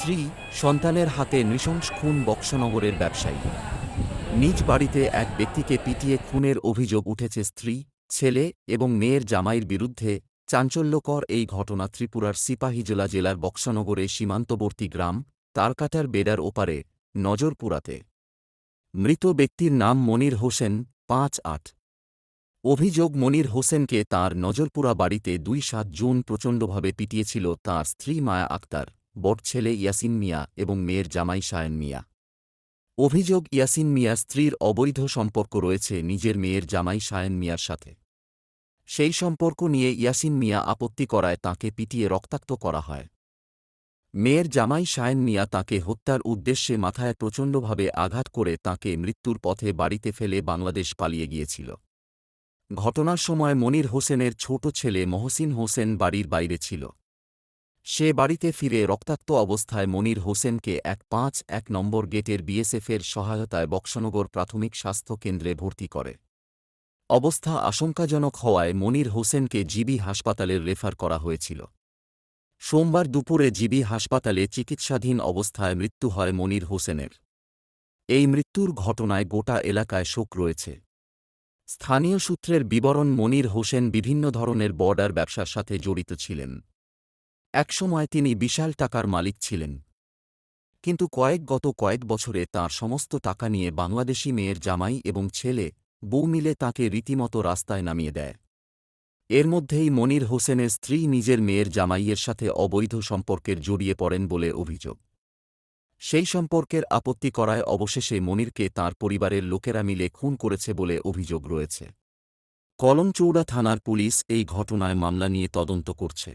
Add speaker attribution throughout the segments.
Speaker 1: স্ত্রী, সন্তানের হাতে নৃশংস খুন বক্সনগরের ব্যবসায়ী। নিজ বাড়িতে এক ব্যক্তিকে পিটিয়ে খুনের অভিযোগ উঠেছে স্ত্রী, ছেলে এবং মেয়ের জামাইয়ের বিরুদ্ধে। চাঞ্চল্যকর এই ঘটনা ত্রিপুরার সিপাহীজলা জেলার বক্সনগরে সীমান্তবর্তী গ্রাম তারকাটার বেড়ার ওপারে নজরপুরাতে। মৃত ব্যক্তির নাম মনির হোসেন, ৫৮। অভিযোগ, মনির হোসেনকে তাঁর নজরপুরা বাড়িতে ২-৭ জুন প্রচণ্ডভাবে পিটিয়েছিল তাঁর স্ত্রী মায়া আক্তার, বড় ছেলে ইয়াসিন মিয়া এবং মেয়ের জামাই সায়েন মিয়া। অভিযোগ, ইয়াসিন মিয়ার স্ত্রীর অবৈধ সম্পর্ক রয়েছে নিজের মেয়ের জামাই সায়েন মিয়ার সাথে। সেই সম্পর্ক নিয়ে ইয়াসিন মিয়া আপত্তি করায় তাঁকে পিটিয়ে রক্তাক্ত করা হয়। মেয়ের জামাই সায়েন মিয়া তাঁকে হত্যার উদ্দেশ্যে মাথায় প্রচণ্ডভাবে আঘাত করে তাঁকে মৃত্যুর পথে বাড়িতে ফেলে বাংলাদেশ পালিয়ে গিয়েছিল। ঘটনার সময় মনির হোসেনের ছোট ছেলে মহসিন হোসেন বাড়ির বাইরে ছিল। সে বাড়িতে ফিরে রক্তাক্ত অবস্থায় মনির হোসেনকে ১৫১ নম্বর গেটের বিএসএফের সহায়তায় বক্সনগর প্রাথমিক স্বাস্থ্য কেন্দ্রে ভর্তি করে। অবস্থা আশঙ্কাজনক হওয়ায় মনির হোসেনকে জিবি হাসপাতালে রেফার করা হয়েছিল। সোমবার দুপুরে জিবি হাসপাতালে চিকিৎসাধীন অবস্থায় মৃত্যু হয় মনির হোসেনের। এই মৃত্যুর ঘটনায় গোটা এলাকায় শোক রয়েছে। স্থানীয় সূত্রের বিবরণ, মনির হোসেন বিভিন্ন ধরনের বর্ডার ব্যবসার সাথে জড়িত ছিলেন। একসময় তিনি বিশাল টাকার মালিক ছিলেন, কিন্তু গত কয়েক বছরে তাঁর সমস্ত টাকা নিয়ে বাংলাদেশি মেয়ের জামাই এবং ছেলে বউ মিলে তাঁকে রীতিমতো রাস্তায় নামিয়ে দেয়। এর মধ্যেই মনির হোসেনের স্ত্রী নিজের মেয়ের জামাইয়ের সাথে অবৈধ সম্পর্কের জড়িয়ে পড়েন বলে অভিযোগ। সেই সম্পর্কের আপত্তি করায় অবশেষে মনিরকে তাঁর পরিবারের লোকেরা মিলে খুন করেছে বলে অভিযোগ রয়েছে। কলমচৌড়া থানার পুলিশ এই ঘটনায় মামলা নিয়ে তদন্ত করছে।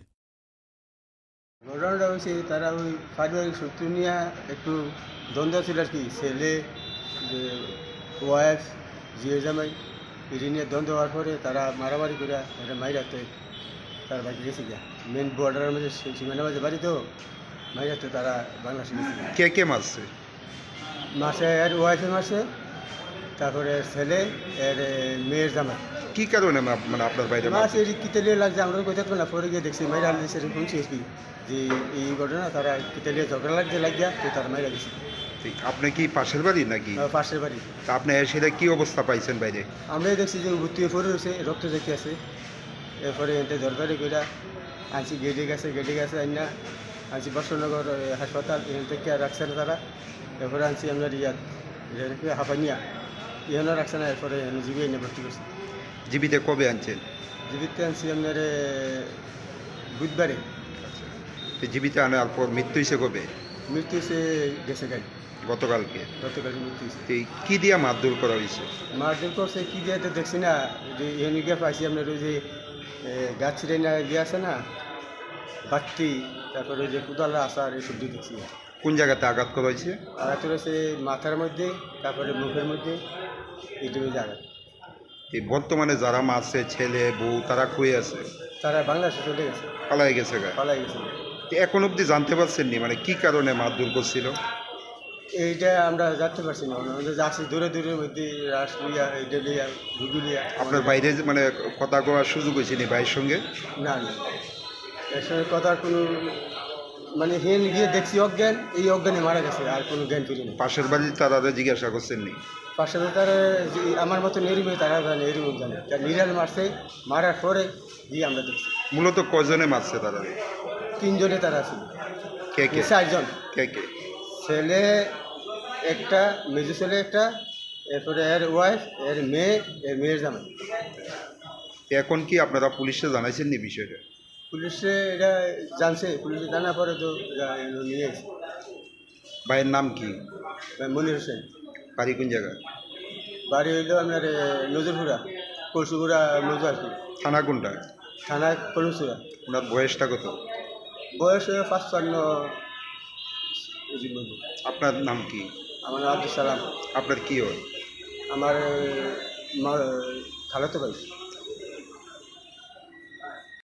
Speaker 2: ঘটনাটা হয়েছে, তারা ওই পারিবারিক শত্রু নিয়ে একটু দ্বন্দ্ব ছিল আর কি। ছেলে, যে ওয়াইফ, জিয়ে জামাই, এটি নিয়ে দ্বন্দ্ব হওয়ার পরে তারা মারামারি করে এটা মাইরাতে তার বাড়ি গেছে গিয়া। মেন বর্ডারের মাঝে সীমানার মাঝে বাড়ি তো মাইরাতে তারা বাংলাদেশে গেছে।
Speaker 3: কে কে মারছে?
Speaker 2: মাসে এর ওয়াইফে মাসে, তারপরে ছেলে এর মেয়ের জামাই।
Speaker 3: কি কারণে মানে আপনার বাইরে
Speaker 2: মাস এর কিতেলে লাগছে, আমরা কোথাও থাকবো না। পরে গিয়ে দেখছি মাইরা আনলে সেটা শুনছি আর কি, যে এই ঘটনা তারা কিতেলে ঝগড়া লাগছে লাগিয়া তো তারা মাইরা গেছে।
Speaker 3: আপনি কি পাশের বাড়ি নাকি?
Speaker 2: পাশের বাড়ি।
Speaker 3: তা আপনি সেটা কি অবস্থা পাইছেন বাইরে?
Speaker 2: আমরাই দেখছি যে ভর্তি হয়ে পড়ে রয়েছে, রক্ত দেখতে আছে। এরপরে এতে দরকারি করে আনছি, গেটে গেছে আইনা আনছি বর্ষনগর হাসপাতাল, এখান থেকে রাখছে না তারা। এরপরে আনছি আপনার হাফানিয়া, এখানে রাখছে না। এরপরে জিবি এনে ভর্তি করছে।
Speaker 3: জীবিতে কবে আনছেন?
Speaker 2: জীবিতে আনছি আপনার বুধবারে।
Speaker 3: জীবিতে আনার পর মৃত্যু হয়েছে কবে?
Speaker 2: মৃত্যু হয়েছে গেছে গাড়ি,
Speaker 3: গতকালকে।
Speaker 2: গতকালকে মৃত্যু হয়েছে।
Speaker 3: কি দিয়া মারধর করা হয়েছে?
Speaker 2: মারধর করছে কি দিয়ে তো দেখছি না, যে এখানে গিয়ে পাইছি আপনার ওই যে গাছ ছিঁড়ে না দিয়ে আছে না বাত্তি, তারপরে ওই যে কুদালা আসার এইসব দিয়ে দেখছি।
Speaker 3: কোন জায়গাতে আঘাত করা হয়েছে?
Speaker 2: আঘাত রয়েছে মাথার মধ্যে, তারপরে মুখের মধ্যে, এইটুকু আঘাত।
Speaker 3: এই বর্তমানে যারা মারছে, ছেলে বউ, তারা কই আছে?
Speaker 2: তারা বাংলাদেশে চলে গেছে,
Speaker 3: পালাই গেছে গা?
Speaker 2: পালাই গেছে।
Speaker 3: এখন অবধি জানতে পারছেন নি মানে কি কারণে মারধর করছিল?
Speaker 2: এইটা আমরা জানতে পারছি না। আমাদের যাচ্ছি দূরে দূরের মধ্যে, রাস লিয়া, এইটা লিয়া, ঘুগু লিয়া।
Speaker 3: আপনার বাইরে মানে কথা কওয়ার সুযোগ হয়েছে নি ভাইয়ের সঙ্গে?
Speaker 2: না না, এর সঙ্গে কথার কোনো মানে হেন গিয়ে দেখছি অজ্ঞান, এই অজ্ঞানে মারা গেছে, আর কোনো জ্ঞান ফিরি নেই।
Speaker 3: পাশের বাড়ির তারা জিজ্ঞাসা করছেন নি?
Speaker 2: পাশে তারা আমার মতো নেরিমে তারা জানে, এরিম জানে। তার নিরাল মারছে, মারার পরে গিয়ে আমরা দেখছি।
Speaker 3: মূলত কজনে মারছে তারা?
Speaker 2: 3 জনে তারা ছিল।
Speaker 3: কে কে?
Speaker 2: 4 জন।
Speaker 3: কে কে?
Speaker 2: ছেলে একটা, মেজো ছেলে একটা, এরপরে এর ওয়াইফ, এর মেয়ে, এর মেয়ের জামাই।
Speaker 3: এখন কি আপনারা পুলিশে জানাইছেন নি বিষয়টা?
Speaker 2: পুলিশে এটা জানছে, পুলিশে জানার পরে তো নিয়ে গেছে।
Speaker 3: ভাইয়ের নাম কি?
Speaker 2: মনির হোসেন।
Speaker 3: বাড়ি কোন জায়গায়?
Speaker 2: বাড়ি হইল আপনার নজরপুরা, কলসুপুরা নজর আর কি।
Speaker 3: থানা কোনটা?
Speaker 2: থানা কলসুরা।
Speaker 3: ওনার বয়সটা কত?
Speaker 2: বয়স 55।
Speaker 3: আপনার নাম কি?
Speaker 2: আমার নাম আব্দুল সালাম।
Speaker 3: আপনার কি হয়?
Speaker 2: আমার খালাতো ভাই।